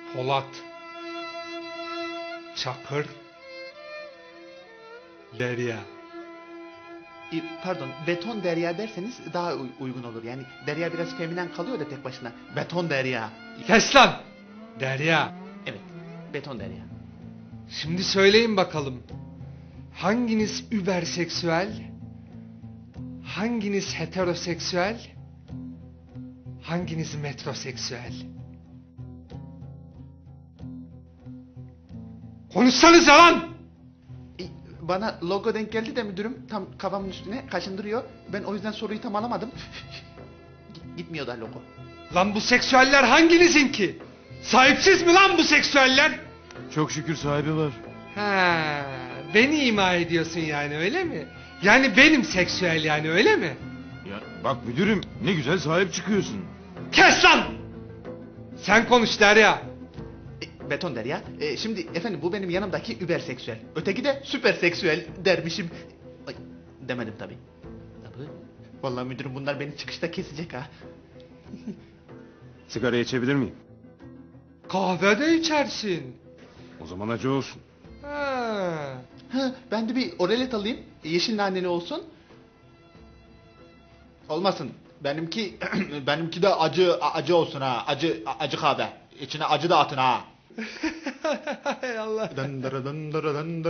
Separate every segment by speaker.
Speaker 1: Polat, Çakır, Derya.
Speaker 2: Pardon, beton derya derseniz daha uygun olur. Yani derya biraz feminen kalıyor da tek başına. Beton derya.
Speaker 1: Kes lan! Derya.
Speaker 2: Evet, beton derya.
Speaker 1: Şimdi söyleyin bakalım. Hanginiz überseksüel? Hanginiz heteroseksüel? Hanginiz metroseksüel? Konuşsanıza lan!
Speaker 2: Bana logo denk geldi de müdürüm tam kafamın üstüne kaşındırıyor. Ben o yüzden soruyu tam alamadım. Gitmiyor da logo.
Speaker 1: Lan bu seksüeller hanginizin ki? Sahipsiz mi lan bu seksüeller?
Speaker 3: Çok şükür sahibi var.
Speaker 1: Ha, beni ima ediyorsun yani öyle mi? Yani benim seksüel yani öyle mi?
Speaker 3: Ya bak müdürüm, ne güzel sahip çıkıyorsun.
Speaker 1: Kes lan! Sen konuş Derya.
Speaker 2: Beton derya. Şimdi efendim bu benim yanımdaki überseksüel. Öteki de süperseksüel dermişim. Ay, demedim tabii. Vallahi müdürüm bunlar beni çıkışta kesecek ha.
Speaker 3: Sigara içebilir miyim?
Speaker 1: Kahve de içersin.
Speaker 3: O zaman acı olsun.
Speaker 1: Ha.
Speaker 2: Ha, ben de bir oralet alayım. Yeşil naneli olsun. Olmasın. Benimki de acı olsun ha. Acı kahve. İçine acı da atın ha.
Speaker 1: Hay Allah.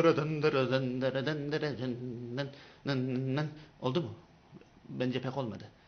Speaker 2: Oldu mu? Bence pek olmadı.